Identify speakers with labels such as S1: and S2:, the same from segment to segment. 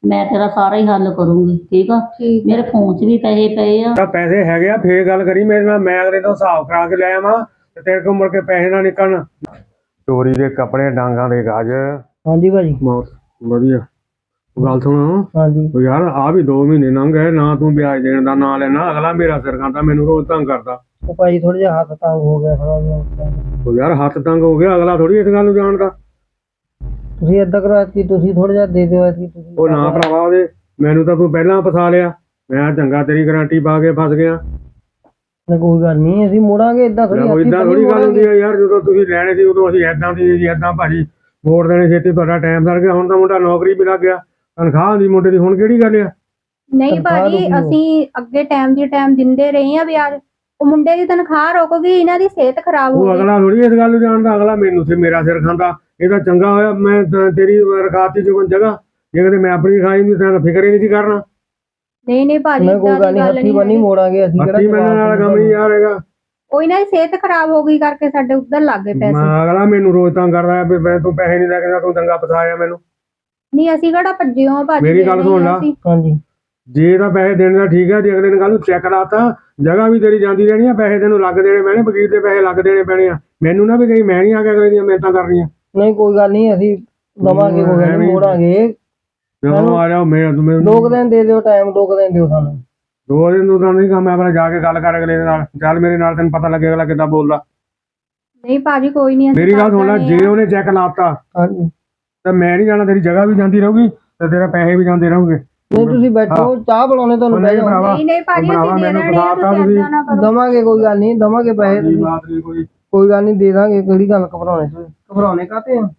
S1: ਮੈਂ ਤੇਰਾ ਸਾਰਾ ਹੀ ਹੱਲ ਕਰੂੰਗੀ, ਠੀਕ ਆ। ਮੇਰੇ ਫੋਨ 'ਚ ਵੀ ਪੈਸੇ ਪਏ ਆ।
S2: ਤਾਂ ਪੈਸੇ ਹੈਗੇ ਆ, ਫੇਰ ਗੱਲ ਕਰੀ ਮੇਰੇ ਨਾਲ। ਮੈਂ ਅਗਲੇ ਤੋਂ ਹਿਸਾਬ ਕਰਾ ਕੇ ਲੈ ਆਵਾਂ ਤੇ ਤੇਰੇ ਕੋਲ ਮੁੜ ਕੇ ਪੈਸੇ ਨਾ ਨਿਕਲਣ। ਚੋਰੀ ਦੇ ਕੱਪੜੇ, ਡਾਂਗਾਂ ਦੇ ਗੱਜ।
S3: ਹਾਂਜੀ ਭਾਜੀ।
S2: ਬਹੁਤ ਵਧੀਆ ਗੱਲ ਸੁਣੋ।
S3: ਹਾਂਜੀ
S2: ਉਹ ਯਾਰ ਆ ਵੀ 2 ਮਹੀਨੇ ਲੰਘ ਗਏ ਨਾ, ਤੂੰ ਵਿਆਜ ਦੇਣ ਦਾ ਨਾਂ ਲੈਣਾ। ਅਗਲਾ ਮੇਰਾ ਸਿਰ ਖਾਂਦਾ, ਮੈਨੂੰ ਰੋਜ਼ ਤੰਗ ਕਰਦਾ।
S3: ਉਹ ਭਾਜੀ ਥੋੜਾ ਜਿਹਾ ਹੱਥ ਤੰਗ ਹੋ ਗਿਆ ਥੋੜਾ ਜਿਹਾ।
S2: ਉਹ ਯਾਰ ਹੱਥ ਤੰਗ ਹੋ ਗਿਆ, ਅਗਲਾ ਥੋੜੀ ਇਸ ਗੱਲ ਨੂੰ ਜਾਣਦਾ।
S3: ਤੁਸੀਂ ਏਦਾਂ ਕਰੋ ਐਤਕੀ ਤੁਸੀਂ ਥੋੜਾ ਜਿਹਾ ਦੇ ਦਿਓ ਐਤਕੀ ਤੁਸੀਂ।
S2: ਉਹ ਨਾ ਭਰਾਵਾ, ਉਹਦੇ ਮੈਨੂੰ ਤਾਂ ਤੂੰ ਪਹਿਲਾਂ ਫਸਾ ਲਿਆ। ਮੈਂ ਚੰਗਾ ਤੇਰੀ ਗਰੰਟੀ ਪਾ ਕੇ ਫਸ ਗਿਆ।
S3: ਕੋਈ ਗੱਲ ਨਹੀਂ, ਅਸੀਂ ਮੋੜਾਂਗੇ। ਏਦਾਂ ਥੋੜੀ
S2: ਗੱਲ ਹੁੰਦੀ ਹੈ ਯਾਰ। ਜਦੋਂ ਤੁਸੀਂ ਲੈਣੇ ਸੀ ਉਦੋਂ ਅਸੀਂ ਏਦਾਂ ਦੀ ਜੀ ਏਦਾਂ ਭਾਜੀ ਮੋੜ ਦੇਣੇ ਛੇਤੀ, ਤੁਹਾਡਾ ਟਾਈਮ ਸਰ ਗਿਆ। ਹੁਣ ਤਾਂ ਮੁੰਡਾ ਨੌਕਰੀ ਵੀ ਲੱਗ ਗਿਆ, ਤਨਖਾਹ ਹੁੰਦੀ ਮੁੰਡੇ ਦੀ। ਹੁਣ ਕਿਹੜੀ ਗੱਲ ਆ?
S4: ਨਹੀਂ ਭਾਜੀ, ਅਸੀਂ ਅੱਗੇ ਟਾਈਮ ਦਿੰਦੇ ਰਹੇ ਆ ਵਿਆਜ। ਉਹ ਮੁੰਡੇ ਦੀ ਤਨਖਾਹ ਰੁਕ ਗਈ, ਇਹਨਾਂ ਦੀ ਸਿਹਤ ਖਰਾਬ ਹੋ
S2: ਉਹ
S4: ਗਈ।
S2: ਅਗਲਾ ਥੋੜੀ ਇਸ ਗੱਲ ਨੂੰ ਜਾਣਦਾ। ਅਗਲਾ ਮੈਨੂੰ ਤੇ ਮੇਰਾ ਸਿਰ ਖਾਂਦਾ। ਇਹਦਾ ਚੰਗਾ ਹੋਇਆ ਮੈਂ ਤੇਰੀ ਰਖਾਤੀ ਜੁਗਨ ਜਗ੍ਹਾ। ਜੇ ਕਿਤੇ ਮੈਂ ਆਪਣੀ ਖਾਈ ਨਹੀਂ ਤਾਂ ਫਿਕਰ ਹੀ ਨਹੀਂ ਸੀ ਕਰਨਾ।
S4: ਨਹੀਂ ਭਾਜੀ,
S3: ਕੋਈ ਗੱਲ ਨਹੀਂ, ਹੱਥੀ ਬੰਨੀ ਮੋੜਾਂਗੇ ਅਸੀਂ।
S2: ਹੱਥੀ ਬੰਨਣ ਵਾਲਾ ਕੰਮ ਨਹੀਂ ਯਾਰ ਹੈਗਾ।
S4: ਉਹ ਇਹਨਾਂ ਦੀ ਸਿਹਤ ਖਰਾਬ ਹੋ ਗਈ ਕਰਕੇ ਸਾਡੇ ਉੱਧਰ ਲੱਗ ਗਏ ਪੈਸੇ।
S2: ਅਗਲਾ ਮੈਨੂੰ ਰੋਜ਼ ਤੰਗ ਕਰਦਾ ਵੀ ਮੈਂ ਤੂੰ ਪੈਸੇ ਨਹੀਂ ਲੈ ਕੇ, ਤੂੰ ਚੰਗਾ ਫਸਾਇਆ ਮੈਨੂੰ।
S4: ਨਹੀਂ ਅਸੀਂ ਕਿਹੜਾ ਭੱਜੇ ਹਾਂ ਭਾਜੀ।
S2: ਮੇਰੀ ਗੱਲ ਸੁਣ ਲਾ।
S3: ਹਾਂਜੀ
S2: ਜੇ ਤਾਂ ਪੈਸੇ ਦੇਣ ਦਾ ਠੀਕ ਹੈ, ਜੇ ਅਗਲੇ ਨੇ ਕੱਲ ਨੂੰ ਚੈੱਕ ਲਾਤਾ, ਜਗ੍ਹਾ ਵੀ ਤੇਰੀ ਜਾਂਦੀ ਰਹਿਣੀ ਆ, ਪੈਸੇ ਤੈਨੂੰ ਲੱਗ ਦੇਣੇ ਪੈਣੇ, ਵਕੀਲ ਦੇ ਪੈਸੇ ਲੱਗ ਦੇਣੇ ਪੈਣੇ ਆ। ਮੈਨੂੰ ਨਾ ਵੀ ਕਹੀ ਮੈਂ ਨਹੀਂ ਆ ਕੇ ਅਗਲੇ ਦੀਆਂ ਮਿਹਨਤਾਂ ਕਰਨੀਆਂ।
S3: ਨਹੀਂ ਕੋਈ ਗੱਲ ਨਹੀਂ, ਅਸੀਂ ਦਵਾਂਗੇ, ਕੋਈ ਗੱਲ ਨਹੀਂ, ਮੋੜਾਂਗੇ।
S2: ਜਦੋਂ ਆ ਜਾਓ ਮੇਰੇ
S3: 2 ਦਿਨ ਦੇ ਦਿਓ ਟਾਈਮ, 2 ਦਿਨ ਦਿਓ ਸਾਨੂੰ।
S2: 2 ਦਿਨ ਨੂੰ ਤਾਂ ਨਹੀਂ ਕੰਮ। ਮੈਂ ਆਪਣਾ ਜਾ ਕੇ ਗੱਲ ਕਰ ਅਗਲੇ ਦੇ ਨਾਲ। ਚੱਲ ਮੇਰੇ ਨਾਲ, ਤੈਨੂੰ ਪਤਾ ਲੱਗੇ ਅਗਲਾ ਕਿੱਦਾਂ ਬੋਲਦਾ।
S4: ਨਹੀਂ ਭਾਜੀ ਕੋਈ ਨਹੀਂ।
S2: ਮੇਰੀ ਗੱਲ ਸੁਣ ਲੈ, ਜੇ ਉਹਨੇ ਚੈੱਕ ਲਾਤਾ
S3: ਹਾਂਜੀ
S2: ਤਾਂ ਮੈਂ ਨਹੀਂ ਜਾਣਾ। ਤੇਰੀ ਜਗ੍ਹਾ ਵੀ ਜਾਂਦੀ ਰਹੂਗੀ ਤੇ ਤੇਰੇ ਪੈਸੇ ਵੀ ਜਾਂਦੇ ਰਹੂਗੇ।
S3: ਨਹੀਂ ਤੁਸੀਂ ਬੈਠੋ, ਚਾਹ ਬਣਾਉਣੇ ਤੁਹਾਨੂੰ ਬਹਿ ਜਾਓ।
S4: ਨਹੀਂ ਭਾਜੀ, ਅਸੀਂ ਦੇ ਦੇਣੇ ਆ, ਤੁਸੀਂ ਏਦਾਂ ਨਾ ਕਰੋ।
S3: ਦਵਾਂਗੇ, ਕੋਈ ਗੱਲ ਨਹੀਂ, ਦਵਾਂਗੇ ਪੈਸੇ। ਕੋਈ ਗੱਲ ਨਹੀਂ, ਦੇ ਦਾਂਗੇ। ਕਿਹੜੀ ਗੱਲ ਘਬਰਾਉਣੇ ਤੁਸੀਂ? ਘਬਰਾਉਣੇ ਕਾਹਤੇ ਆ?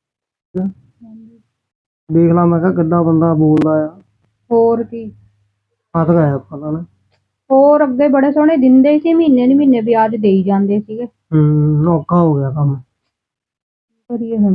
S3: ਦੇਖ ਲਾ, ਮੈਂ ਕਿਹਾ ਕਿੱਦਾਂ ਬੰਦਾ ਬੋਲਦਾ ਆ।
S4: ਹੋਰ ਕੀ
S3: ਹੱਥ ਗਿਆ ਪਤਾ ਨਾ।
S4: ਹੋਰ ਅੱਗੇ ਬੜੇ ਸੋਹਣੇ ਦਿੰਦੇ ਸੀ, ਮਹੀਨੇ ਦੀ ਮਹੀਨੇ ਵਿਆਜ ਦੇਈ ਜਾਂਦੇ ਸੀਗੇ।
S3: ਔਖਾ ਹੋ ਗਿਆ ਕੰਮ।
S4: ਕਰੀਏ ਹੁਣ।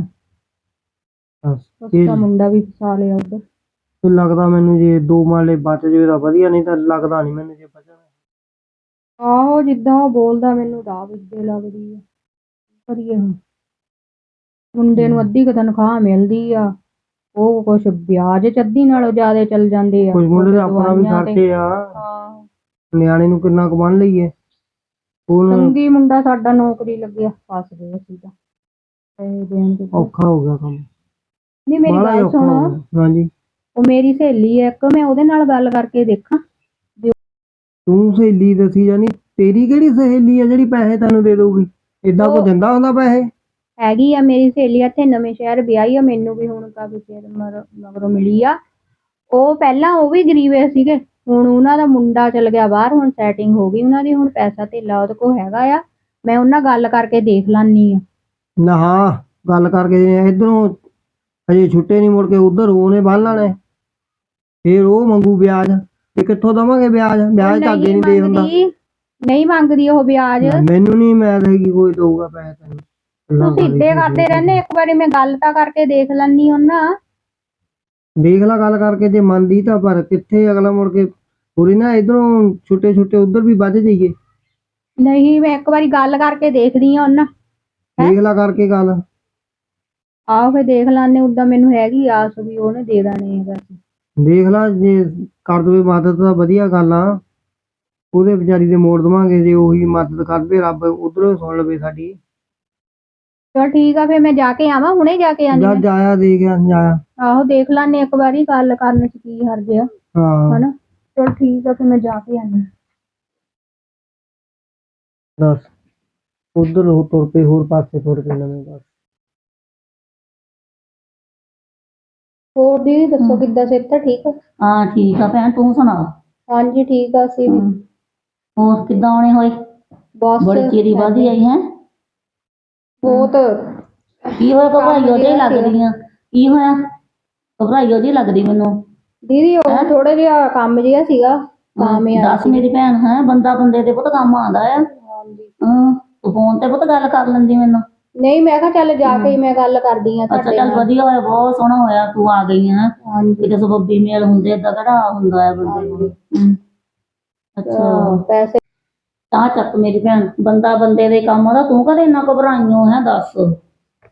S3: ਇਹ
S4: ਮੁੰਡਾ ਵੀ ਫਸਾ ਲਿਆ ਉੱਧਰ।
S3: ਲੱਗਦਾ ਮੈਨੂੰ ਜੇ 2 ਮਾਲੇ ਬਚ ਜਾਵੇ ਤਾਂ ਵਧੀਆ, ਨਹੀਂ ਤਾਂ ਲੱਗਦਾ ਨਹੀਂ ਮੈਨੂੰ ਜੇ ਬਚਣਾ।
S4: ਆਹੋ ਜਿੱਦਾਂ ਉਹ ਬੋਲਦਾ ਮੈਨੂੰ ਰਾਹ ਵਿੱਚੇ ਲੱਗਦੀ ਆ। ਕਰੀਏ ਹੁਣ। ਮੁੰਡੇ ਨੂੰ ਅੱਧੀ ਕੁ ਤਨਖਾਹ ਮਿਲਦੀ ਆ, ਉਹ ਕੁਛ ਵਿਆਜ ਚ ਅੱਧੀ ਨਾਲੋਂ ਜ਼ਿਆਦਾ ਚੱਲ ਜਾਂਦੇ ਆ।
S3: ਕੁਝ ਮੁੰਡੇ ਦੇ ਆਪਣਾ ਵੀ ਖਰਚੇ ਆ। ਨਿਆਣੇ ਨੂੰ ਕਿੰਨਾ ਕੁ ਬੰਨ ਲਈਏ।
S4: ਸੰਗੀ ਮੁੰਡਾ ਸਾਡਾ ਨੌਕਰੀ ਲੱਗਿਆ, ਫਸ ਗਏ ਅਸੀਂ ਤਾਂ। ਪੈਸੇ ਦੇਣ ਤੇ
S3: ਔਖਾ ਹੋ ਗਿਆ ਕੰਮ।
S4: ਨਹੀਂ ਮੇਰੀ ਗੱਲ ਸੁਣੋ।
S3: ਹਾਂਜੀ
S4: ਉਹ ਮੇਰੀ ਸਹੇਲੀ ਹੈ ਇੱਕ, ਮੈਂ ਉਹਦੇ ਨਾਲ ਗੱਲ ਕਰਕੇ ਦੇਖਾਂ।
S3: ਤੂੰ ਸਹੇਲੀ ਦੱਸੀ ਜਾਨੀ, ਤੇਰੀ ਕਿਹੜੀ ਸਹੇਲੀ ਆ ਜਿਹੜੀ ਪੈਸੇ ਤੈਨੂੰ ਦੇ ਦਊਗੀ? ਏਦਾਂ ਕੋਈ ਦਿੰਦਾ ਹੁੰਦਾ ਪੈਸੇ?
S4: ਹੈਗੀ ਆ ਮੇਰੀ ਸਹੇਲੀ, ਇੱਥੇ ਨਵੇਂ ਸ਼ਹਿਰ ਵਿਆਹੀ ਆ, ਮੈਨੂੰ ਵੀ ਹੁਣ ਕਾਫੀ ਚਿਰ ਮਗਰੋਂ ਮਿਲੀ ਆ। ਉਹ ਪਹਿਲਾਂ ਉਹ ਵੀ ਗਰੀਬੇ ਸੀਗੇ, ਹੁਣ ਉਹਨਾਂ ਦਾ ਮੁੰਡਾ ਚਲ ਗਿਆ ਬਾਹਰ, ਹੁਣ ਸੈਟਿੰਗ ਹੋ ਗਈ ਉਹਨਾਂ ਦੀ, ਹੁਣ ਪੈਸਾ ਧੇਲਾ ਉਹਦੇ ਕੋਲ ਹੈਗਾ ਆ। ਮੈਂ ਉਹਨਾਂ ਗੱਲ ਕਰਕੇ ਦੇਖ ਲਾਨੀ ਆ।
S3: ਨਾ ਗੱਲ ਕਰਕੇ ਇਧਰੋਂ ਹਜੇ ਛੁੱਟੇ ਨਹੀਂ, ਮੁੜ ਕੇ ਉਧਰ ਉਹਨੇ ਬੰਨ ਲੈਣੇ, ਫੇਰ ਉਹ ਮੰਗੂ ਵਿਆਜ। ਤੇ ਕਿੱਥੋਂ ਦਵਾਂਗੇ ਵਿਆਜ? ਵਿਆਜ ਤਾਂ ਅੱਗੇ ਨਹੀਂ ਦੇ ਹੁੰਦਾ।
S4: ਨਹੀਂ ਮੰਗਦੀ ਉਹ ਵਿਆਜ।
S3: ਮੈਨੂੰ ਨਹੀਂ ਮੈਂ ਹੈਗੀ ਕੋਈ ਦਊਗਾ ਪੈਸੇ ਤੈਨੂੰ।
S4: ਤੁਸੀਂ ਇੱਦੇ ਕਰਦੇ ਰਹਿੰਦੇ, ਇੱਕ ਵਾਰੀ ਮੈਂ ਗੱਲ ਤਾਂ ਕਰਕੇ ਦੇਖ ਲੈਣੀ ਉਹਨਾਂ।
S3: ਦੇਖ ਲਾ ਗੱਲ ਕਰਕੇ, ਜੇ ਮੰਨਦੀ ਤਾਂ। ਪਰ ਕਿੱਥੇ ਅਗਲਾ ਮੁੜ ਕੇ ਪੂਰੀ ਨਾ ਇਧਰੋਂ ਛੁੱਟੇ ਛੁੱਟੇ ਉਧਰ ਵੀ ਵੱਧ ਜਾਈਏ।
S4: ਨਹੀਂ ਮੈਂ ਇੱਕ ਵਾਰੀ ਗੱਲ ਕਰਕੇ ਦੇਖਦੀ ਆ ਉਹਨਾਂ।
S3: ਦੇਖ ਲਾ ਕਰਕੇ ਗੱਲ।
S4: ਆਹੋ ਫੇਰ ਦੇਖ ਲਾਨੇ, ਉਦਾਂ ਮੈਨੂੰ ਹੈਗੀ ਆਸ ਵੀ ਉਹਨੇ ਦੇ ਦੇਣੇ ਹੈਗਾ।
S3: ਦੇਖ ਲਾ, ਜੇ ਕਰ ਦਵੇ ਮਦਦ ਤਾਂ ਵਧੀਆ ਗੱਲ ਆ। ਉਹਦੇ ਵਿਚਾਰੀ ਦੇ ਮੋੜ ਦਵਾਂਗੇ, ਜੇ ਉਹੀ ਮਦਦ ਕਰਦੇ ਰੱਬ ਉਧਰੋਂ ਸੁਣ ਲਵੇ ਸਾਡੀ।
S4: ਚਲ ਠੀਕ ਆ, ਫੇਰ ਮੈਂ ਜਾ ਕੇ ਆਵਾਂ, ਹੁਣੇ ਜਾ ਕੇ ਆਨੀ।
S3: ਜਾਇਆ ਦੇ ਗਿਆ ਜਾਇਆ।
S4: ਆਹੋ ਦੇਖ ਲਾਨੇ ਇੱਕ ਵਾਰੀ, ਗੱਲ ਕਰਨ ਚ ਕੀ ਹਰਜ ਆ।
S3: ਹਾਂ
S4: ਹਨਾ, ਚਲ ਠੀਕ ਆ, ਫੇਰ ਮੈਂ ਜਾ ਕੇ ਆਨੀ।
S3: ਦੱਸ ਉਧਰ ਉਹ ਤੁਰ ਪਏ, ਹੋਰ ਪਾਸੇ ਤੁਰ ਪਏ ਨਵੇਂ ਪਾਸੇ।
S4: ਹੋਰ ਦੀਦੀ ਦੱਸੋ, ਕਿੱਦਾਂ ਸਿਹਤ ਠੀਕ ਆ?
S1: ਹਾਂ ਠੀਕ ਆ ਭੈਣ, ਤੂੰ ਸੁਣਾ?
S4: ਹਾਂਜੀ ਠੀਕ ਆ ਅਸੀਂ ਵੀ।
S1: ਹੋਰ ਕਿੱਦਾਂ ਆਉਣੇ ਹੋਏ?
S4: ਬਸ
S1: ਬੜੀ ਚਿਰੀ ਵਾਦੀ ਆਈ ਹੈ।
S4: ਬਹੁਤ
S1: ਕੀ ਹੋਇਆ? ਘਬਰਾਈ ਉਹਦੇ ਲੱਗਦੀਆਂ। ਕੀ ਹੋਇਆ? ਘਬਰਾਈ ਉਹਦੀ ਲੱਗਦੀ ਮੈਨੂੰ।
S4: ਦੀਦੀ ਉਹ ਥੋੜਾ ਜਿਹਾ ਕੰਮ ਜਿਹਾ ਸੀਗਾ ਤਾਂ ਮੈਂ
S1: ਦੱਸ ਮੇਰੀ ਭੈਣ। ਹੈ ਬੰਦਾ ਬੰਦੇ ਦੇ ਪੁੱਤ ਕੰਮ ਆਉਂਦਾ ਆ। ਤੂੰ ਫੋਨ ਤੇ ਪੁੱਤ ਗੱਲ ਕਰ ਲੈਂਦੀ ਮੈਨੂੰ।
S4: ਨਹੀਂ ਮੈਂ ਕਿਹਾ ਚੱਲ ਜਾ ਕੇ ਮੈਂ ਗੱਲ ਕਰਦੀ ਆ।
S1: ਅੱਛਾ ਚੱਲ ਵਧੀਆ ਹੋਇਆ, ਬਹੁਤ ਸੋਹਣਾ ਹੋਇਆ ਤੂੰ ਆ ਗਈ ਹੈ। ਕਿਤੇ ਸਬੱਬੀ ਮੇਲ ਹੁੰਦੇ, ਏਦਾਂ ਕਿਹੜਾ ਹੁੰਦਾ ਹੈ ਬੰਦੇ ਕੋਲ। ਅੱਛਾ
S4: ਪੈਸੇ
S1: ਤਾਂ ਚੱਕ ਮੇਰੀ ਭੈਣ, ਬੰਦਾ ਬੰਦੇ ਦੇ ਕੰਮ ਆਉਂਦਾ। ਤੂੰ ਕਦੇ ਇੰਨਾ ਘਬਰਾਈਓ ਹੈ? ਦੱਸ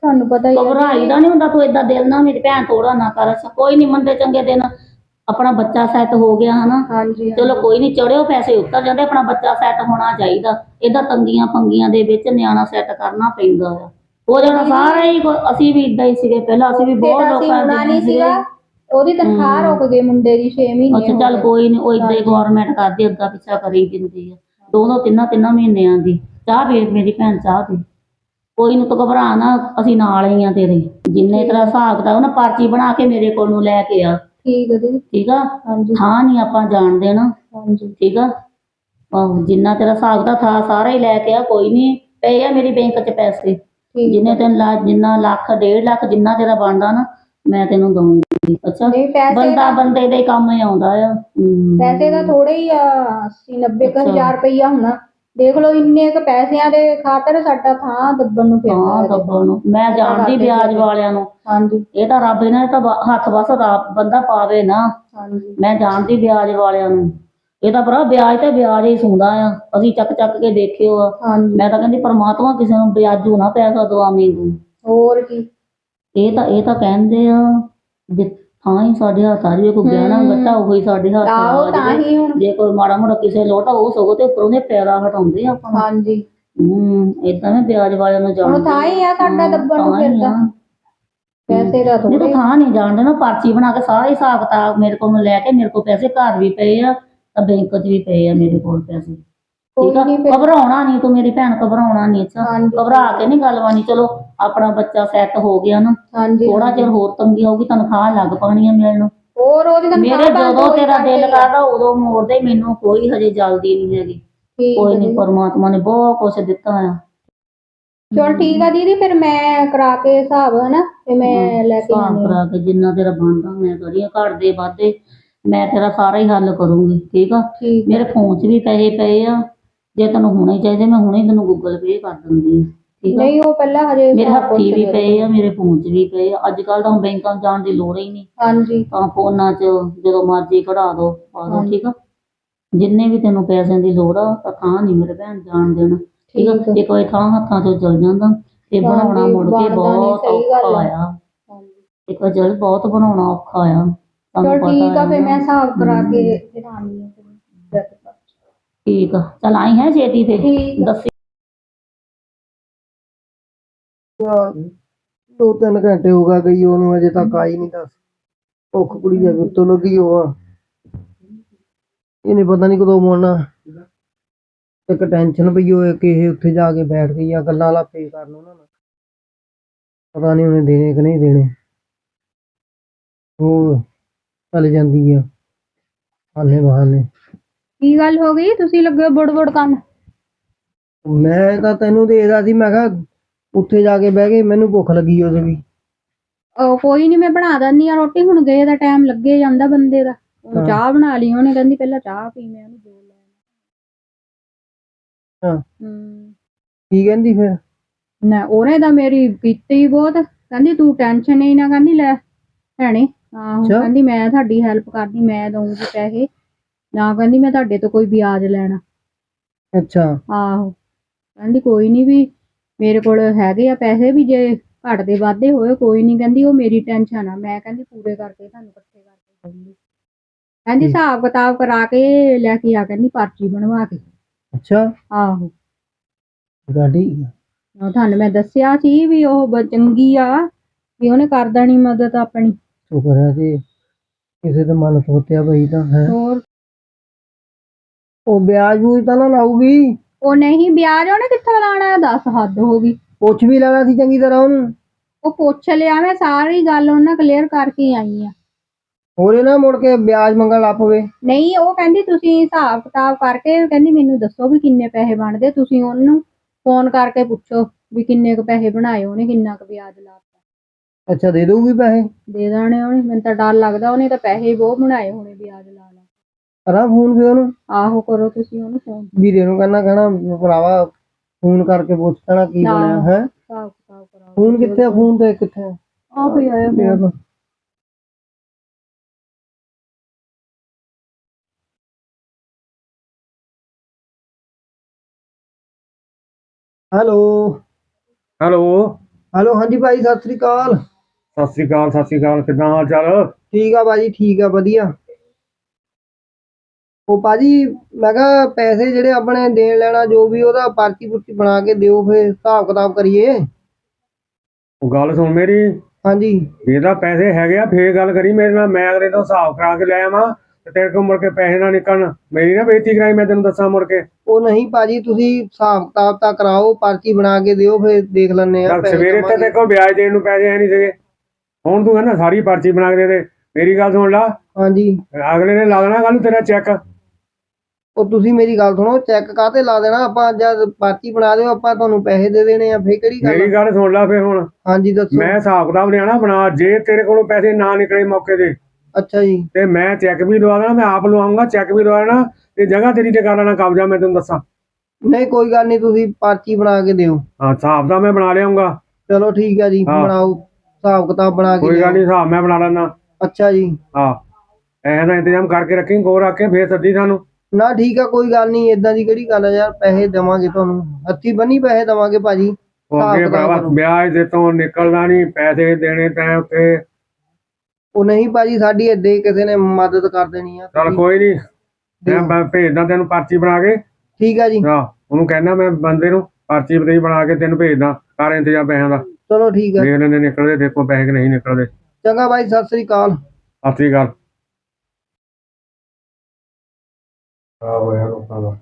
S4: ਤੁਹਾਨੂੰ ਪਤਾ ਹੀ ਹੈ
S1: ਘਬਰਾਈ ਦਾ ਨਹੀਂ ਹੁੰਦਾ, ਤੂੰ ਏਦਾਂ ਦਿਲ ਨਾ ਮੇਰੀ ਭੈਣ ਤੋੜਾ ਨਾ ਕਰ। ਕੋਈ ਨਹੀਂ, ਮੰਦੇ ਚੰਗੇ ਦਿਨ ਆਪਣਾ ਬੱਚਾ ਸੈੱਟ ਹੋ ਗਿਆ ਹਨਾ,
S4: ਹਾਂਜੀ
S1: ਚਲੋ ਕੋਈ ਨਹੀਂ, ਚੜਿਓ ਪੈਸੇ ਉੱਤਰ ਜਾਂਦੇ, ਆਪਣਾ ਬੱਚਾ ਸੈੱਟ ਹੋਣਾ ਚਾਹੀਦਾ। ਇਹਦਾ ਤੰਗੀਆਂ ਪੰਗੀਆਂ ਦੇ ਵਿੱਚ ਨਿਆਣਾ ਸੈੱਟ ਕਰਨਾ ਪੈਂਦਾ ਆ। ਉਹ ਜਿਹੜਾ ਸਾਰੇ ਹੀ ਅਸੀਂ ਵੀ ਇਦਾਂ ਹੀ ਸੀਗੇ ਪਹਿਲਾਂ, ਅਸੀਂ ਵੀ ਬਹੁਤ ਲੋਕਾਂ
S4: ਹੋਣਾ
S1: ਦੇ
S4: ਨਹੀਂ ਸੀਗਾ। ਉਹਦੀ ਤਨਖਾਹ ਰੁਕ ਗਈ ਮੁੰਡੇ ਦੀ 6 ਮਹੀਨੇ
S1: ਅੱਛਾ
S4: ਹੋ
S1: ਚੱਲ
S4: ਗਏ।
S1: ਕੋਈ ਨਹੀਂ, ਉਹ ਇਦਾਂ ਹੀ ਗਵਰਨਮੈਂਟ ਕਰਦੀ, ਅੱਗਾ ਪਿੱਛਾ ਕਰੀ ਦਿੰਦੀ ਆ। ਦੋ ਤਿੰਨਾਂ ਮਹੀਨਿਆਂ ਦੀ ਚਾਹ ਪੀ ਮੇਰੀ ਭੈਣ, ਚਾਹ ਪੀ। ਕੋਈ ਨੂੰ ਤੂੰ ਘਬਰਾ ਨਾ, ਅਸੀਂ ਨਾਲ ਹੀ ਆ ਤੇਰੇ। ਜਿੰਨੇ ਤਰ੍ਹਾਂ ਹਿਸਾਬ ਕਿਤਾਬ ਨਾ ਪਰਚੀ ਬਣਾ ਕੇ ਮੇਰੇ ਕੋਲ ਨੂੰ ਲੈ ਕੇ ਆ।
S4: ਠੀਕ ਹੈ ਦੀਦੀ।
S1: ਠੀਕ ਆ,
S4: ਹਾਂਜੀ
S1: ਥਾਂ ਨਹੀਂ ਆਪਾਂ ਜਾਣ ਦੇਣਾ।
S4: ਹਾਂਜੀ
S1: ਠੀਕ ਆ, ਆਹੋ, ਜਿੰਨਾ ਤੇਰਾ ਹਿਸਾਬ ਦਾ ਥਾਂ ਸਾਰਾ ਹੀ ਲੈ ਕੇ ਆ। ਕੋਈ ਨਹੀਂ, ਪਏ ਆ ਮੇਰੀ ਬੈਂਕ 'ਚ ਪੈਸੇ,
S4: ਠੀਕ
S1: ਜਿੰਨੇ ਤੈਨੂੰ ਜਿੰਨਾ ਲੱਖ 1.5 ਲੱਖ ਜਿੰਨਾ ਤੇਰਾ ਬਣਦਾ ਨਾ, ਮੈਂ ਤੈਨੂੰ ਦਊਂਗੀ। ਅੱਛਾ,
S4: ਨਹੀਂ ਪੈਸੇ
S1: ਬੰਦਾ ਬੰਦੇ ਦੇ ਕੰਮ ਹੀ ਆਉਂਦਾ ਆ।
S4: ਪੈਸੇ ਤਾਂ ਥੋੜੇ ਹੀ ਆ, 80-90 ਹਜ਼ਾਰ ਰੁਪਈਆ ਹੋਣਾ। ਦੇਖ ਲਓ ਇੰਨੇ ਕ ਪੈਸਿਆਂ ਦੇ ਖਾਤਰ ਸਾਡਾ ਥਾਂ ਦੱਬਣ ਨੂੰ ਫਿਰਦਾ
S1: ਹਾਂ,
S4: ਹੈ।
S1: ਦੱਬਣ ਨੂੰ ਮੈਂ ਜਾਣਦੀ ਵਿਆਜ ਵਾਲਿਆਂ ਨੂੰ।
S4: ਹਾਂਜੀ
S1: ਇਹ ਤਾਂ ਰੱਬ ਇਹਨਾਂ ਤਾਂ ਹੱਥ ਬਸ ਬੰਦਾ ਪਾਵੇ ਨਾ।
S4: ਹਾਂਜੀ
S1: ਮੈਂ ਜਾਣਦੀ ਵਿਆਜ ਵਾਲਿਆਂ ਨੂੰ। ਇਹ ਤਾਂ ਭਰਾ ਵਿਆਜ ਤੇ ਵਿਆਜ ਹੀ ਸੁਣਦਾ ਆ, ਅਸੀਂ ਚੱਕ ਚੱਕ ਕੇ ਦੇਖਿਓ ਆ।
S4: ਹਾਂਜੀ
S1: ਮੈਂ ਤਾਂ ਕਹਿੰਦੀ ਪਰਮਾਤਮਾ ਕਿਸੇ ਨੂੰ ਵਿਆਜੂ ਨਾ ਪੈਸਾ ਦਵਾਵੇਂ ਤੂੰ।
S4: ਹੋਰ ਕੀ।
S1: ਇਹ ਤਾਂ ਕਹਿੰਦੇ ਆ ਜੇ ਥਾਂ ਹੀ ਸਾਡੇ ਹੱਥ ਆ ਜਾਵੇ, ਕੋਈ ਗਹਿਣਾ ਗੱਟਾ ਉਹ ਹੀ ਸਾਡੇ ਹੱਥ
S4: ਆਹੋ
S1: ਆ
S4: ਤਾਂ
S1: ਜਾਵੇ,
S4: ਹੀ ਹੁਣ।
S1: ਜੇ ਕੋਈ ਮਾੜਾ ਮੋਟਾ ਕਿਸੇ ਲੋਟਾ ਉਹ ਸਗੋਂ ਤੇ ਉੱਪਰੋਂ ਦੇ ਪੈਰਾ ਹਟਾਉਂਦੇ ਆ ਆਪਾਂ ਨੂੰ।
S4: ਹਾਂਜੀ
S1: ਏਦਾਂ ਮੈਂ ਵਿਆਜ ਵਾਲਿਆਂ ਨੂੰ
S4: ਹੁਣ
S1: ਜਾਣਦੀ
S4: ਥਾਂ ਹੀ ਆ ਸਾਡਾ ਦੱਬਣ ਨੂੰ
S1: ਥਾਂ ਹੀ
S4: ਫਿਰਦਾ।
S1: ਆ।
S4: ਪੈਸੇ ਦਾ
S1: ਨਹੀਂ ਤੂੰ
S4: ਥੋੜੇ।
S1: ਥਾਂ ਨਹੀਂ ਜਾਣਦੇ ਨਾ, ਪਰਚੀ ਬਣਾ ਕੇ ਸਾਰਾ ਹਿਸਾਬ ਕਿਤਾਬ ਮੇਰੇ ਕੋਲ ਲੈ ਕੇ, ਮੇਰੇ ਕੋਲ ਪੈਸੇ ਘਰ ਵੀ ਪਏ ਆ ਤਾਂ ਬੈਂਕ 'ਚ ਵੀ ਪਏ ਆ ਮੇਰੇ ਕੋਲ ਪੈਸੇ। ਠੀਕ ਆ,
S4: ਕੋਈ ਨੀ ਫਿਰ।
S1: ਘਬਰਾਉਣਾ ਨਹੀਂ ਤੂੰ ਮੇਰੀ ਭੈਣ, ਘਬਰਾਉਣਾ ਨਹੀਂ। ਅੱਛਾ,
S4: ਹਾਂਜੀ।
S1: ਘਬਰਾ ਕੇ ਨਹੀਂ ਗੱਲ ਬਾਣੀ। ਚਲੋ ਆਪਣਾ ਬੱਚਾ ਸੈੱਟ ਹੋ ਗਿਆ ਨਾ,
S4: ਹਾਂਜੀ
S1: ਥੋੜਾ ਚਿਰ ਹੋਰ ਤੰਗੀ ਆਊਗੀ, ਤਨਖਾਹ ਲੱਗ ਪਾਣੀ ਆ ਮਿਲਣ।
S4: ਹੋਰ ਉਹਦੀ
S1: ਮੇਰੇ
S4: ਤਨਖਾਹ ਬੰਦ
S1: ਜਦੋਂ
S4: ਹੋਈ
S1: ਤੇਰਾ
S4: ਕਰਕੇ
S1: ਦਿਲ
S4: ਹੀ ਆ।
S1: ਕਰਦਾ ਉਦੋਂ ਮੋੜਦੇ, ਮੈਨੂੰ ਕੋਈ ਹਜੇ ਜਲਦੀ ਨਹੀਂ ਹੈਗੀ।
S4: ਠੀਕ
S1: ਕੋਈ
S4: ਹੈ
S1: ਨਹੀਂ,
S4: ਦੀਦੀ।
S1: ਪਰਮਾਤਮਾ ਨੇ ਬਹੁਤ ਕੁਛ ਦਿੱਤਾ ਆ।
S4: ਚਲ ਠੀਕ ਆ ਦੀਦੀ, ਫਿਰ ਮੈਂ ਕਰਾ ਕੇ ਹਿਸਾਬ ਹਨਾ ਤੇ ਮੈਂ ਲੈ ਕੇ
S1: ਹਿਸਾਬ
S4: ਆਉਂਦੀ ਹਾਂ।
S1: ਕਰਾ ਕੇ ਜਿੰਨਾ ਤੇਰਾ ਬਣਦਾ ਮੈਂ ਕਰੀਏ, ਘਰ ਦੇ ਵਾਧੇ ਮੈਂ ਤੇਰਾ ਸਾਰਾ ਹੀ ਹੱਲ ਕਰੂੰਗੀ। ਠੀਕ ਆ,
S4: ਠੀਕ
S1: ਮੇਰੇ ਫੋਨ 'ਚ ਵੀ ਪੈਸੇ ਪਏ ਆ, ਜੇ ਤੈਨੂੰ ਹੁਣੇ ਚਾਹੀਦੇ ਮੈਂ ਹੁਣੇ ਤੈਨੂੰ ਗੂਗਲ ਪੇ ਕਰ ਦਿੰਦੀ ਹਾਂ। ਠੀਕ ਆ,
S4: ਨਹੀਂ ਉਹ ਪਹਿਲਾਂ ਹਜੇ
S1: ਮੇਰੇ
S4: ਹਿਸਾਬ
S1: ਹੱਥੀ
S4: ਪੁੱਛ
S1: ਵੀ
S4: ਲਿਓ।
S1: ਪਏ ਆ, ਮੇਰੇ ਫੋਨ 'ਚ ਵੀ ਪਏ ਆ। ਅੱਜ ਕੱਲ ਤਾਂ ਬੈਂਕਾਂ 'ਚ ਜਾਣ ਦੀ ਲੋੜ ਹੀ ਨਹੀਂ,
S4: ਹਾਂਜੀ
S1: ਤਾਂ ਫੋਨਾਂ 'ਚ ਜਦੋਂ ਮਰਜ਼ੀ ਕਢਾ ਦੋ ਪਾ ਦੋ।
S4: ਹਾਂਜੀ।
S1: ਠੀਕ ਆ, ਜਿੰਨੇ ਵੀ ਤੈਨੂੰ ਪੈਸਿਆਂ ਦੀ ਲੋੜ ਆ ਤਾਂ ਥਾਂ ਨਹੀਂ ਮੇਰੇ ਭੈਣ ਜਾਣ ਦੇਣਾ। ਠੀਕ ਆ,
S4: ਠੀਕ ਆ।
S1: ਇੱਕ ਵਾਰੀ ਥਾਂ ਹੱਥਾਂ 'ਚੋਂ ਚਲ ਜਾਂਦਾ ਤੇ ਬਣਾਉਣਾ
S4: ਹਾਂਜੀ,
S1: ਮੁੜ ਕੇ
S4: ਬਣਦਾ ਨੀ,
S1: ਬਹੁਤ
S4: ਸਹੀ ਗੱਲ
S1: ਔਖਾ
S4: ਆ।
S1: ਆ।
S4: ਹਾਂਜੀ
S1: ਇੱਕ ਵਾਰ ਜਲ ਬਹੁਤ ਬਣਾਉਣਾ ਔਖਾ ਆ, ਤੁਹਾਨੂੰ
S4: ਚਲ
S1: ਪਤਾ
S4: ਠੀਕ ਆ, ਫਿਰ
S1: ਨਾ।
S4: ਮੈਂ ਹਿਸਾਬ ਕਰਾ ਕੇ ਫਿਰ ਆਉਂਦੀ ਹਾਂ ਫਿਰ।
S1: ਠੀਕ ਆ, ਚਲ ਆਈ ਹੈ ਛੇਤੀ ਤੇ
S4: ਠੀਕ ਆ।
S1: ਦੱਸੀ।
S3: 2-3 ਘੰਟੇ ਹੋ ਗਈ ਉਹਨੂੰ, ਅਜੇ ਤੱਕ ਆਈ ਨਹੀਂ। ਦੱਸ ਭੁੱਖ ਕੁੜੀ ਜਾ ਉੱਤੋਂ ਲੱਗੀ ਉਹ ਆ, ਇਹਨੇ ਪਤਾ ਨਹੀਂ ਕਦੋਂ ਮੁੜਨਾ। ਇੱਕ ਟੈਨਸ਼ਨ ਪਈ ਹੋਏ ਕਿ ਇਹ ਉੱਥੇ ਜਾ ਕੇ ਬੈਠ ਗਈ ਆ, ਗੱਲਾਂ ਲਾਪੇ ਕਰਨ ਉਹਨਾਂ ਨਾਲ, ਪਤਾ ਨਹੀਂ ਉਹਨੇ ਦੇਣੇ ਕਿ ਨਹੀਂ ਦੇਣੇ। ਉਹ ਚਲ ਜਾਂਦੀ ਆ ਆਨੇ ਬਹਾਨੇ।
S4: ਕੀ ਗੱਲ ਹੋ ਗਈ, ਤੁਸੀਂ ਲੱਗੇ ਬੁੜ ਕਰਨ?
S3: ਮੈਂ ਤਾਂ ਤੈਨੂੰ ਦੇਖਦਾ ਸੀ, ਮੈਂ ਕਿਹਾ ਉੱਥੇ ਜਾ ਕੇ ਬਹਿ ਗਏ, ਮੈਨੂੰ ਭੁੱਖ ਲੱਗੀ ਉਹਦੇ ਵੀ।
S4: ਕੋਈ ਨਹੀਂ, ਮੈਂ ਬਣਾ ਦਿੰਦੀ ਆ ਰੋਟੀ। ਹੁਣ ਗਏ ਦਾ ਟਾਈਮ ਲੱਗੇ ਜਾਂਦਾ ਬੰਦੇ ਦਾ। ਉਹਨੂੰ ਚਾਹ ਬਣਾ ਲਈ ਉਹਨੇ, ਕਹਿੰਦੀ ਪਹਿਲਾਂ ਚਾਹ ਪੀ, ਮੈਂ ਉਹਨੂੰ ਬੋਲ
S3: ਹਾਂ
S4: ਹੂੰ।
S3: ਕੀ ਕਹਿੰਦੀ ਫਿਰ?
S4: ਨਾ ਉਹਨੇ ਤਾਂ ਮੇਰੀ ਕੀਤੀ ਬਹੁਤ, ਕਹਿੰਦੀ ਤੂੰ ਟੈਨਸ਼ਨ ਹੀ ਨਾ, ਕਹਿੰਦੀ ਲੈ ਭੈਣੇ। ਆਹੋ
S3: ਅੱਛਾ।
S4: ਕਹਿੰਦੀ ਮੈਂ ਤੁਹਾਡੀ ਹੈਲਪ ਕਰਦੀ, ਮੈਂ ਦਊਂਗੀ ਪੈਸੇ ਨਾ, ਕਹਿੰਦੀ ਮੈਂ ਤੁਹਾਡੇ ਤੋਂ ਕੋਈ ਵਿਆਜ ਲੈਣਾ।
S3: ਅੱਛਾ।
S4: ਆਹੋ ਕਹਿੰਦੀ ਕੋਈ ਨਹੀਂ, ਵੀ ਮੇਰੇ ਕੋਲ ਹੈਗੇ ਆ ਪੈਸੇ, ਵੀ ਜੇ ਘੱਟਦੇ ਵਾਧੇ ਹੋਏ ਕੋਈ ਨਹੀਂ, ਕਹਿੰਦੀ ਉਹ ਮੇਰੀ ਟੈਨਸ਼ਨ ਆ। ਮੈਂ ਕਹਿੰਦੀ ਪੂਰੇ ਕਰਕੇ ਤੁਹਾਨੂੰ ਇਕੱਠੇ ਕਰਕੇ ਦਊਂਗੀ। ਕਹਿੰਦੀ ਹਿਸਾਬ ਕਿਤਾਬ ਕਰਾ ਕੇ ਲੈ ਕੇ ਆ, ਕਹਿੰਦੀ ਪਰਚੀ ਬਣਵਾ ਕੇ।
S3: ਅੱਛਾ।
S4: ਆਹੋ
S3: ਗਾਡੀ
S4: ਤੁਹਾਨੂੰ ਮੈਂ ਦੱਸਿਆ ਸੀ ਵੀ ਉਹ ਚੰਗੀ ਆ, ਵੀ ਉਹਨੇ ਕਰ ਦੇਣੀ ਮਦਦ ਆਪਣੀ।
S3: ਸ਼ੁਕਰ ਹੈ ਜੀ, ਕਿਸੇ ਦਾ ਮਨ ਸੋਚਿਆ ਬਈ ਤਾਂ ਹੈ।
S4: ਹੋਰ
S3: ਉਹ ਵਿਆਜ ਬੂਜ ਤਾਂ ਨਾ ਲਾਊਗੀ?
S4: ਉਹ ਨਹੀਂ, ਵਿਆਜ ਉਹਨੇ ਕਿੱਥੋਂ ਲਾਣਾ, ਦੱਸ ਹੱਦ ਹੋ ਗਈ।
S3: ਪੁੱਛ ਵੀ ਲੈਣਾ ਸੀ ਚੰਗੀ ਤਰ੍ਹਾਂ ਉਹਨੂੰ।
S4: ਉਹ ਪੁੱਛ ਲਿਆ, ਮੈਂ ਸਾਰੀ ਗੱਲ ਉਹਨਾਂ ਕਲੀਅਰ ਕਰਕੇ ਆਈ ਆ।
S3: ਹੋਰੇ ਨਾ ਮੁੜ ਕੇ ਵਿਆਜ ਮੰਗਣ ਲੱਗ ਪਵੇ।
S4: ਨਹੀਂ, ਉਹ ਕਹਿੰਦੀ ਤੁਸੀਂ ਹਿਸਾਬ ਕਿਤਾਬ ਕਰਕੇ, ਕਹਿੰਦੀ ਮੈਨੂੰ ਦੱਸੋ ਵੀ ਕਿੰਨੇ ਪੈਸੇ ਬਣਦੇ, ਤੁਸੀਂ ਉਹਨੂੰ ਫੋਨ ਕਰਕੇ ਪੁੱਛੋ ਵੀ ਕਿੰਨੇ ਕੁ ਪੈਸੇ ਬਣਾਏ ਉਹਨੇ, ਕਿੰਨਾ ਕੁ ਵਿਆਜ ਲਾਤਾ।
S3: ਅੱਛਾ, ਦੇ ਦਊਗੀ ਪੈਸੇ?
S4: ਦੇ ਦੇਣੇ ਉਹਨੇ, ਮੈਨੂੰ ਤਾਂ ਡਰ ਲੱਗਦਾ ਉਹਨੇ ਤਾਂ ਪੈਸੇ ਬਹੁਤ ਬਣਾਏ ਹੋਣੇ ਵਿਆਜ ਲਾ ਲਾ।
S3: ਕਰਾਂ ਫੋਨ ਫਿਰ ਉਹਨੂੰ?
S4: ਆਹੋ ਕਰੋ ਤੁਸੀਂ ਉਹਨੂੰ ਫੋਨ।
S3: ਵੀਰੇ ਨੂੰ ਕਹਿਣਾ ਭਰਾਵਾ ਫੋਨ ਕਰਕੇ ਪੁੱਛ ਲੈਣਾ ਕੀ ਬਣਿਆ ਹੈ।
S4: ਹਿਸਾਬ ਕਿਤਾਬ ਕਰਾਓ।
S3: ਫੋਨ ਕਿੱਥੇ ਆ? ਫੋਨ ਤੇ ਕਿੱਥੇ ਆ?
S4: ਆਹ ਵੀ ਆਇਆ ਫੋਨ।
S3: ਹੈਲੋ।
S2: ਹੈਲੋ।
S3: ਹੈਲੋ, ਹਾਂਜੀ ਭਾਈ, ਸਤਿ ਸ੍ਰੀ ਅਕਾਲ।
S2: ਸਤਿ ਸ੍ਰੀ ਅਕਾਲ, ਸਤਿ ਸ੍ਰੀ ਅਕਾਲ। ਕਿੱਦਾਂ ਹਾਲ ਚਾਲ?
S3: ਠੀਕ ਆ ਭਾਜੀ, ਠੀਕ ਆ, ਵਧੀਆ। ਉਹ ਭਾਜੀ, ਮੈਂ ਕਿਹਾ ਪੈਸੇ ਜਿਹੜੇ ਆਪਣੇ ਦੇਣ ਲੈਣਾ ਜੋ ਵੀ ਉਹਦਾ ਪਰਚੀ ਪੁਰਚੀ ਬਣਾ ਕੇ ਦਿਓ, ਫਿਰ ਹਿਸਾਬ ਕਿਤਾਬ ਕਰੀਏ।
S2: ਉਹ ਗੱਲ ਸੁਣ ਮੇਰੀ,
S3: ਹਾਂਜੀ।
S2: ਜੇ ਤਾਂ ਪੈਸੇ ਹੈਗੇ ਆ ਫੇਰ ਗੱਲ ਕਰੀ ਮੇਰੇ ਨਾਲ। ਮੈਂ ਅਗਲੇ ਤੋਂ ਹਿਸਾਬ ਕਰਾ ਕੇ ਲੈ ਆਵਾਂ ਤੇ ਤੇਰੇ ਕੋਲ ਮੁੜ ਕੇ ਪੈਸੇ ਨਾ ਨਿਕਲਣ। ਮੇਰੀ ਨਾ ਬੇਇੱਜ਼ਤੀ ਕਰਾਈ, ਮੈਂ ਤੈਨੂੰ ਦੱਸਾਂ ਮੁੜ ਕੇ।
S3: ਉਹ ਨਹੀਂ ਭਾਜੀ, ਤੁਸੀਂ ਹਿਸਾਬ ਕਿਤਾਬ ਤਾਂ ਕਰਾਓ, ਪਰਚੀ ਬਣਾ ਕੇ ਦਿਓ, ਫਿਰ ਦੇਖ ਲੈਂਦੇ ਆ।
S2: ਚੱਲ
S3: ਪੈਸੇ
S2: ਸਵੇਰੇ ਤੇ
S3: ਦੇਵਾਂਗੇ।
S2: ਤੇਰੇ ਕੋਲ ਵਿਆਜ ਦੇਣ ਨੂੰ ਪੈਸੇ ਹੈ ਨਹੀਂ ਸੀਗੇ, ਹੁਣ ਤੂੰ ਕਹਿੰਦਾ ਸਾਰੀ ਪਰਚੀ ਬਣਾ ਕੇ ਦੇ ਦੇ। ਮੇਰੀ ਗੱਲ ਸੁਣ ਲਾ,
S3: ਹਾਂਜੀ।
S2: ਅਗਲੇ ਨੇ ਲਾ ਦੇਣਾ ਕੱਲ ਨੂੰ ਤੇਰਾ ਚੈੱਕ।
S3: ਉਹ ਤੁਸੀਂ ਮੇਰੀ ਗੱਲ ਸੁਣੋ, ਚੈੱਕ ਕਾਹਤੇ ਲਾ ਦੇਣਾ ਆਪਾਂ? ਜਦ ਪਰਚੀ ਬਣਾ ਦਿਓ, ਆਪਾਂ ਤੁਹਾਨੂੰ ਪੈਸੇ ਦੇ ਦੇਣੇ ਆ, ਫੇਰ ਕਿਹੜੀ ਗੱਲ
S2: ਮੇਰੀ
S3: ਆ?
S2: ਗੱਲ ਸੁਣ ਲਾ ਫੇਰ ਹੁਣ।
S3: ਹਾਂਜੀ, ਦੱਸੋ।
S2: ਮੈਂ ਹਿਸਾਬ ਕਿਤਾਬ ਲਿਆਣਾ ਬਣਾ, ਜੇ ਤੇਰੇ ਕੋਲੋਂ ਪੈਸੇ ਨਾ ਨਿਕਲੇ ਮੌਕੇ ਦੇ
S3: ਅੱਛਾ ਜੀ।
S2: ਤੇ ਮੈਂ ਚੈੱਕ ਵੀ ਲਵਾ ਦੇਣਾ, ਮੈਂ ਆਪ ਲਵਾਉਂਗਾ, ਚੈੱਕ ਵੀ ਲਵਾ ਦੇਣਾ ਤੇ ਜਗ੍ਹਾ ਤੇਰੀ ਤੇ ਕਰ ਲੈਣਾ ਕਬਜ਼ਾ, ਮੈਂ ਤੈਨੂੰ ਦੱਸਾਂ।
S3: ਨਹੀਂ, ਕੋਈ ਗੱਲ ਨਹੀਂ, ਤੁਸੀਂ ਪਰਚੀ ਬਣਾ ਕੇ ਦਿਓ।
S2: ਹਾਂ, ਹਿਸਾਬ ਦਾ ਮੈਂ ਬਣਾ ਲਿਆਉਂਗਾ।
S3: ਚਲੋ ਠੀਕ ਆ ਜੀ,
S2: ਹਾਂ।
S3: ਬਣਾਓ ਹਿਸਾਬ ਕਿਤਾਬ ਬਣਾ ਕੇ
S2: ਕੋਈ ਗੱਲ
S3: ਲਿਆਓ।
S2: ਨਹੀਂ, ਹਿਸਾਬ ਮੈਂ ਬਣਾ ਲੈਣਾ।
S3: ਅੱਛਾ ਜੀ।
S2: ਹਾਂ, ਪੈਸੇ ਦਾ ਇੰਤਜ਼ਾਮ ਕਰਕੇ ਰੱਖੀ, ਕੋਲ ਰੱਖ ਕੇ ਫੇਰ ਸੱਦੀ ਸਾਨੂੰ।
S3: ਨਾ ਠੀਕ ਆ, ਕੋਈ ਗੱਲ ਨਹੀਂ, ਏਦਾਂ ਦੀ ਕਿਹੜੀ ਗੱਲ ਆ ਯਾਰ, ਪੈਸੇ ਦੇਵਾਂਗੇ ਤੁਹਾਨੂੰ, ਹੱਥੀ ਬੰਨੀ ਪੈਸੇ ਦੇਵਾਂਗੇ ਭਾਜੀ।
S2: ਉਹ
S3: ਹਿਸਾਬ
S2: ਅੱਗੇ
S3: ਕਿਤਾਬ
S2: ਭਰਾਵਾ
S3: ਕਰੋ।
S2: ਵਿਆਜ ਦੇ ਤੋਂ ਨਿਕਲਦਾ ਨਹੀਂ, ਪੈਸੇ ਦੇਣੇ ਤੈਂ ਉੱਤੇ।
S3: ਉਹ ਨਹੀਂ ਭਾਜੀ, ਸਾਡੀ ਏਦਾਂ ਹੀ ਕਿਸੇ ਨੇ ਮਦਦ ਕਰ ਦੇਣੀ ਆ।
S2: ਚੱਲ
S3: ਤੁਸੀਂ
S2: ਕੋਈ ਨਹੀਂ,
S3: ਦਿਓ।
S2: ਮੈਂ ਭੇਜਦਾ ਤੈਨੂੰ ਪਰਚੀ ਬਣਾ ਕੇ।
S3: ਠੀਕ ਆ ਜੀ।
S2: ਹਾਂ, ਉਹਨੂੰ ਕਹਿਣਾ ਮੈਂ ਬੰਦੇ ਨੂੰ ਪਰਚੀ ਬਤਈ ਬਣਾ ਕੇ ਤੈਨੂੰ ਭੇਜਦਾ, ਕਰ ਇੰਤਜ਼ਾਮ ਪੈਸਿਆਂ ਦਾ।
S3: ਚਲੋ ਠੀਕ ਆ।
S2: ਦੇਖ ਲੈਂਦੇ ਨਿਕਲਦੇ ਦੇਖੋ ਪੈਸੇ ਕਿ ਨਹੀਂ ਨਿਕਲਦੇ।
S3: ਚੰਗਾ ਭਾਈ, ਸਤਿ ਸ੍ਰੀ ਅਕਾਲ।
S2: ਸਤਿ ਸ੍ਰੀ ਅਕਾਲ। ਆਹੋ ਯਾਰ, ਲੋਕਾਂ ਦਾ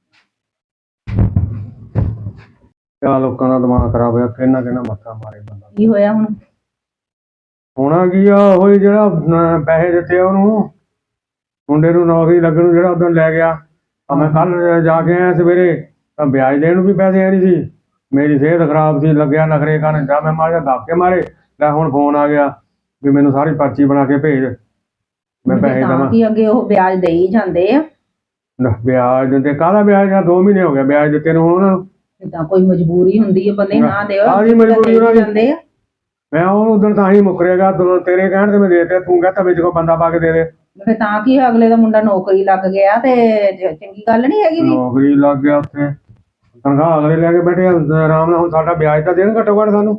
S2: ਕਿਆ ਲੋਕਾਂ ਦਾ ਦਿਮਾਗ ਖਰਾਬ ਹੋਇਆ, ਕਿੰਨਾ ਕਿੰਨਾ ਮੱਥਾ ਮਾਰੇ ਬੰਦਾ।
S1: ਕੀ ਹੋਇਆ ਹੁਣ?
S2: ਹੋਣਾ ਕੀ ਆ, ਉਹੀ ਜਿਹੜਾ ਪੈਸੇ ਦਿੱਤੇ ਆ ਉਹਨੂੰ, ਮੁੰਡੇ ਨੂੰ ਨੌਕਰੀ ਲੱਗਣ ਨੂੰ, ਜਿਹੜਾ ਉਦੋਂ ਲੈ ਗਿਆ। ਮੈਂ ਕੱਲ ਜਾ ਕੇ ਆਇਆ ਸਵੇਰੇ, ਤਾਂ ਵਿਆਜ ਦੇਣ ਨੂੰ ਵੀ ਪੈਸੇ ਹੈ ਨਹੀਂ ਸੀ। ਮੇਰੀ ਸਿਹਤ ਖਰਾਬ ਸੀ, ਲੱਗਿਆ ਨਖਰੇ ਕਰਨ, ਜਾਂ ਮੈਂ ਮਾਰਿਆ ਧੱਕੇ ਮਾਰੇ। ਲੈ ਹੁਣ ਫੋਨ ਆ ਗਿਆ ਵੀ ਮੈਨੂੰ ਸਾਰੀ ਪਰਚੀ ਬਣਾ ਕੇ ਭੇਜ, ਮੈਂ ਪੈਸੇ ਦੇਵਾਂ।
S1: ਕੀ ਅੱਗੇ ਉਹ ਵਿਆਜ ਦੇ ਹੀ ਜਾਂਦੇ ਆ?
S2: ਵਿਆਜ ਦਿੰਦੇ ਕਾਹਦਾ ਵਿਆਜ? 2 ਮਹੀਨੇ ਹੋ ਗਏ ਵਿਆਜ ਦਿੱਤੇ ਨੂੰ ਉਹਨਾਂ ਨੂੰ।
S1: ਤਾਂ ਕੋਈ ਮਜਬੂਰੀ ਹੁੰਦੀ ਹੈ ਬੰਦੇ ਨਾ ਦਿਓ,
S2: ਕਾਹਦੀ ਮਜਬੂਰੀ ਉਹਨਾਂ ਦੀ?
S1: ਜਾਂਦੇ ਆ।
S2: ਮੈਂ ਉਹਨੂੰ ਉਦੋਂ ਤਾਂ ਹੀ ਮੁੱਕਰੇਗਾ, ਤੇਰੇ ਕਹਿਣ ਤੇ ਮੈਂ ਦੇ ਦਿੱਤੇ, ਤੂੰ ਕਹਿੰਦਾ ਵਿੱਚ ਕੋਈ ਬੰਦਾ ਪਾ ਕੇ ਦੇ ਦੇ।
S1: ਫਿਰ ਤਾਂ ਕੀ ਹੋਇਆ, ਅਗਲੇ ਦਾ ਮੁੰਡਾ ਨੌਕਰੀ ਲੱਗ ਗਿਆ ਤੇ ਚੰਗੀ ਗੱਲ ਨਹੀਂ ਹੈਗੀ ਵੀ।
S2: ਨੌਕਰੀ ਲੱਗ ਗਿਆ ਉੱਥੇ, ਤਨਖਾਹ ਅਗਲੇ ਲੈ ਕੇ ਬੈਠੇ ਆ ਆਰਾਮ ਨਾਲ। ਹੁਣ ਸਾਡਾ ਵਿਆਜ ਤਾਂ ਦੇਣ ਘੱਟੋ ਘੱਟ ਸਾਨੂੰ।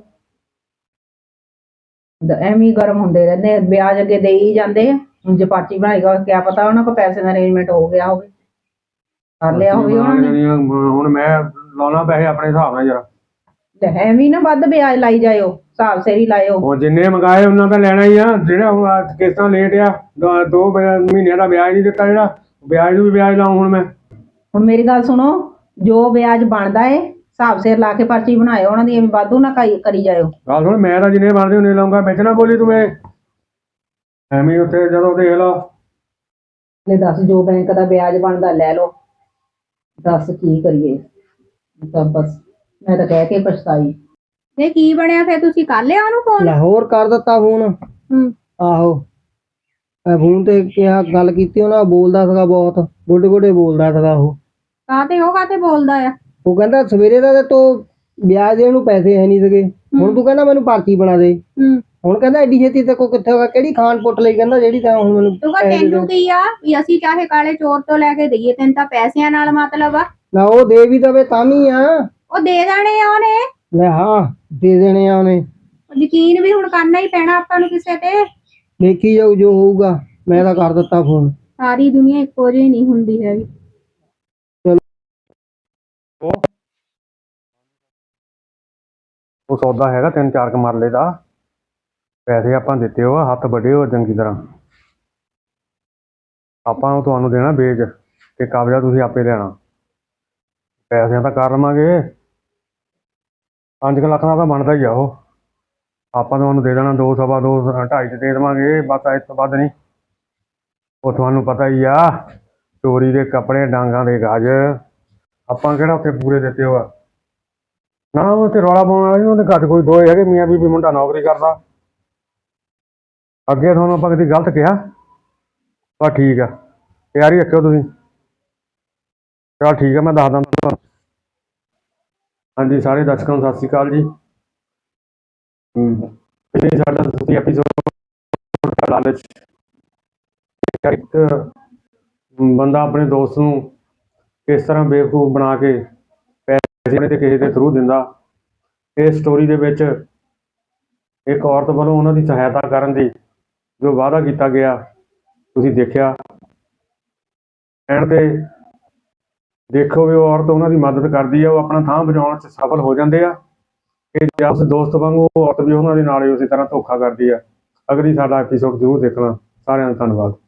S1: ਐਵੇਂ ਹੀ ਗਰਮ ਹੁੰਦੇ ਰਹਿੰਦੇ ਆ, ਵਿਆਜ ਅੱਗੇ ਦੇ ਹੀ ਜਾਂਦੇ ਆ। ਹੁਣ ਜੇ ਪਰਚੀ ਬਣਾਏਗਾ, ਕਿਆ ਪਤਾ ਉਹਨਾਂ ਕੋਲ ਪੈਸੇ ਦਾ ਅਰੇਂਜਮੈਂਟ ਹੋ ਗਿਆ ਹੋਵੇ, ਕਰ ਲਿਆ ਹੋਵੇ ਉਹਨਾਂ ਨੇ।
S2: ਹੁਣ ਮੈਂ ਲਾਉਣਾ ਪੈਸੇ ਆਪਣੇ ਹਿਸਾਬ ਨਾਲ ਜਰਾ।
S1: ਤੇ ਐਵੇਂ ਨਾ ਵੱਧ ਵਿਆਜ ਲਾਈ ਜਾਇਓ, ਹਿਸਾਬ ਸਿਰ ਹੀ ਲਾਇਓ।
S2: ਉਹ ਜਿੰਨੇ ਮੰਗਾਏ ਉਹਨਾਂ ਦਾ ਲੈਣਾ ਹੀ ਆ। ਜਿਹੜਾ ਹੁਣ ਕਿਸ਼ਤਾਂ ਲੇਟ ਆ, 2 ਮਹੀਨਿਆਂ ਦਾ ਵਿਆਜ ਨਹੀਂ ਦਿੱਤਾ, ਜਿਹੜਾ ਵਿਆਜ ਨੂੰ ਵੀ ਵਿਆਜ ਲਾਉਂ ਹੁਣ ਮੈਂ।
S1: ਹੁਣ ਮੇਰੀ ਗੱਲ ਸੁਣੋ, ਜੋ ਵਿਆਜ ਬਣਦਾ ਏ ਹਿਸਾਬ ਸਿਰ ਲਾ ਕੇ ਪਰਚੀ ਬਣਾਇਓ ਉਹਨਾਂ ਦੀ, ਐਵੇਂ ਵਾਧੂ ਨਾ ਕਰੀ ਜਾਇਓ।
S2: ਗੱਲ ਸੁਣ, ਮੈਂ ਤਾਂ ਜਿੰਨੇ ਬਣਦੇ ਉਹਨੇ ਲਾਉਂਗਾ, ਵਿੱਚ ਨਾ ਬੋਲੀ ਤੂੰ। ਐਵੇਂ ਉੱਥੇ ਜਦੋਂ ਦੇਖ ਲਾ,
S1: ਲੈ ਦੱਸ, ਜੋ ਬੈਂਕ ਦਾ ਵਿਆਜ ਬਣਦਾ ਲੈ ਲਓ, ਦੱਸ ਕੀ ਕਰੀਏ। ਤਾਂ ਬਸ ਮੈਂ ਤਾਂ ਕਹਿ ਕੇ ਪਛਤਾਈ।
S4: ਤੇ ਕੀ ਬਣਿਆ ਫਿਰ? ਤੁਸੀਂ ਕਰ ਲਿਆ ਉਹਨੂੰ ਫੋਨ?
S3: ਲਾਹੌਰ ਕਰ ਦਿੱਤਾ ਫੋਨ। ਆਹੋ, ਮੈਂ ਫੋਨ ਤੇ ਕਿਹਾ, ਗੱਲ ਕੀਤੀ, ਉਹਨਾਂ ਬੋਲਦਾ ਸੀਗਾ ਬਹੁਤ, ਗੋਡੇ ਗੋਡੇ ਬੋਲਦਾ ਸੀਗਾ ਉਹ।
S4: ਉਹ ਕਾਤੇ ਬੋਲਦਾ ਆ?
S3: ਉਹ ਕਹਿੰਦਾ ਸਵੇਰੇ ਦਾ ਤੇ ਤੂੰ ਵਿਆਜ ਦੇਣ ਨੂੰ ਪੈਸੇ ਹੈ ਨਹੀਂ ਸੀਗੇ, ਹੁਣ ਤੂੰ ਕਹਿੰਦਾ ਮੈਨੂੰ ਪਰਚੀ ਬਣਾ ਦੇ। ਹੁਣ ਕਹਿੰਦਾ ਐਡੀ ਛੇਤੀ ਤੇ ਕੋ ਕਿੱਥੇ ਹੋਗਾ, ਕਿਹੜੀ ਖਾਨ ਪੁੱਟ ਲਈ ਕਹਿੰਦਾ ਜਿਹੜੀ ਤਾਂ ਹੁਣ ਮੈਨੂੰ
S4: ਤੂੰ ਕਹ ਤੈਨੂੰ ਕੀ ਆ ਵੀ ਅਸੀਂ ਚਾਹੇ ਕਾਲੇ ਚੋਰ ਤੋਂ ਲੈ ਕੇ ਦਈਏ, ਤੈਨੂੰ ਤਾਂ ਪੈਸਿਆਂ ਨਾਲ ਮਤਲਬ ਆ।
S3: ਨਾ ਉਹ ਦੇ ਵੀ ਦਵੇ ਤਾਂ ਵੀ ਆ।
S4: ਉਹ ਦੇ ਦੇਣੇ ਆ ਉਹਨੇ।
S3: ਲੈ ਹਾਂ, ਦੇ ਦੇਣੇ ਆ ਉਹਨੇ।
S4: ਯਕੀਨ ਵੀ ਹੁਣ ਕਰਨਾ ਹੀ ਪੈਣਾ ਆਪਾਂ ਨੂੰ ਕਿਸੇ ਤੇ।
S3: ਦੇਖੀ ਜਾਊ ਜੋ ਹੋਊਗਾ, ਮੈਂ ਤਾਂ ਕਰ ਦਿੱਤਾ ਫੋਨ।
S4: ਸਾਰੀ ਦੁਨੀਆ ਇੱਕੋ ਜਿਹੀ ਨਹੀਂ ਹੁੰਦੀ ਹੈਗੀ।
S2: ਉਹ ਸੌਦਾ ਹੈਗਾ 3-4 ਮਰਲੇ ਦਾ, ਪੈਸੇ ਆਪਾਂ ਦਿੱਤੇ ਹੋ, ਹੱਥ ਵੱਡੇ ਹੋ ਚੰਗੀ ਤਰ੍ਹਾਂ। ਆਪਾਂ ਤੁਹਾਨੂੰ ਦੇਣਾ ਵੇਚ ਤੇ ਕਬਜ਼ਾ ਤੁਸੀਂ ਆਪੇ ਲੈਣਾ। ਪੈਸਿਆਂ ਤਾਂ ਕਰ ਲਵਾਂਗੇ, 5 ਲੱਖ ਦਾ ਤਾਂ ਬਣਦਾ ਹੀ ਆ ਉਹ। ਆਪਾਂ ਤੁਹਾਨੂੰ ਦੇ ਦੇਣਾ 2 ਸਵਾ 2 2.5 'ਚ ਦੇ ਦੇਵਾਂਗੇ, ਬਸ ਇਸ ਤੋਂ ਵੱਧ ਨਹੀਂ। ਉਹ ਤੁਹਾਨੂੰ ਪਤਾ ਹੀ ਆ, ਚੋਰੀ ਦੇ ਕੱਪੜੇ, ਡਾਂਗਾਂ ਦੇ ਗਜ, ਆਪਾਂ ਕਿਹੜਾ ਉੱਥੇ ਪੂਰੇ ਦਿੱਤੇ ਹੋ ਆ। ਨਾ ਉੱਥੇ ਰੌਲਾ ਪਾਉਣ ਵਾਲੇ ਨਹੀਂ, ਉਹਦੇ ਘੱਟ ਕੋਈ 2 ਹੈਗੇ, ਮੀਆਂ ਬੀਬੀ, ਮੁੰਡਾ ਨੌਕਰੀ ਕਰਦਾ। ਅੱਗੇ ਤੁਹਾਨੂੰ ਆਪਾਂ ਕਦੀ ਗਲਤ ਕਿਹਾ? ਬਸ ਠੀਕ ਆ, ਤਿਆਰੀ ਰੱਖਿਓ ਤੁਸੀਂ। ਚਲ ਠੀਕ ਆ, ਮੈਂ ਦੱਸਦਾ ਤੁਹਾਨੂੰ। ਹਾਂਜੀ, ਸਾਰੇ ਦਰਸ਼ਕਾਂ ਨੂੰ ਸਤਿ ਸ਼੍ਰੀ ਅਕਾਲ ਜੀ। ਸਾਡਾ ਐਪੀਸੋਡ ਲਾਲਚ। ਇੱਕ ਬੰਦਾ ਆਪਣੇ ਦੋਸਤ ਨੂੰ ਕਿਸ ਤਰ੍ਹਾਂ ਬੇਵਕੂਫ ਬਣਾ ਕੇ ਪੈਸੇ ਤੇ ਕਿਸੇ ਦੇ ਥਰੂ ਦਿੰਦਾ। ਇਸ ਸਟੋਰੀ ਦੇ ਵਿੱਚ ਇੱਕ ਔਰਤ ਵੱਲੋਂ ਉਹਨਾਂ ਦੀ ਸਹਾਇਤਾ ਕਰਨ ਦੀ ਜੋ ਵਾਅਦਾ ਕੀਤਾ ਗਿਆ ਤੁਸੀਂ ਦੇਖਿਆ। ਐਂਡ ਤੇ ਦੇਖੋ ਵੀ ਉਹ ਔਰਤ ਉਹਨਾਂ ਦੀ ਮਦਦ ਕਰਦੀ ਆ, ਉਹ ਆਪਣਾ ਥਾਂ ਬਚਾਉਣ 'ਚ ਸਫਲ ਹੋ ਜਾਂਦੇ ਆ। ਕਿ ਉਸ ਦੋਸਤ ਵਾਂਗੂ ਉਹ ਔਰਤ ਵੀ ਉਹਨਾਂ ਦੇ ਨਾਲ ਹੀ ਉਸੇ ਤਰ੍ਹਾਂ ਧੋਖਾ ਕਰਦੀ ਆ। ਅਗਲੀ ਸਾਡਾ ਐਪੀਸੋਡ ਜ਼ਰੂਰ ਦੇਖਣਾ। ਸਾਰਿਆਂ ਦਾ ਧੰਨਵਾਦ।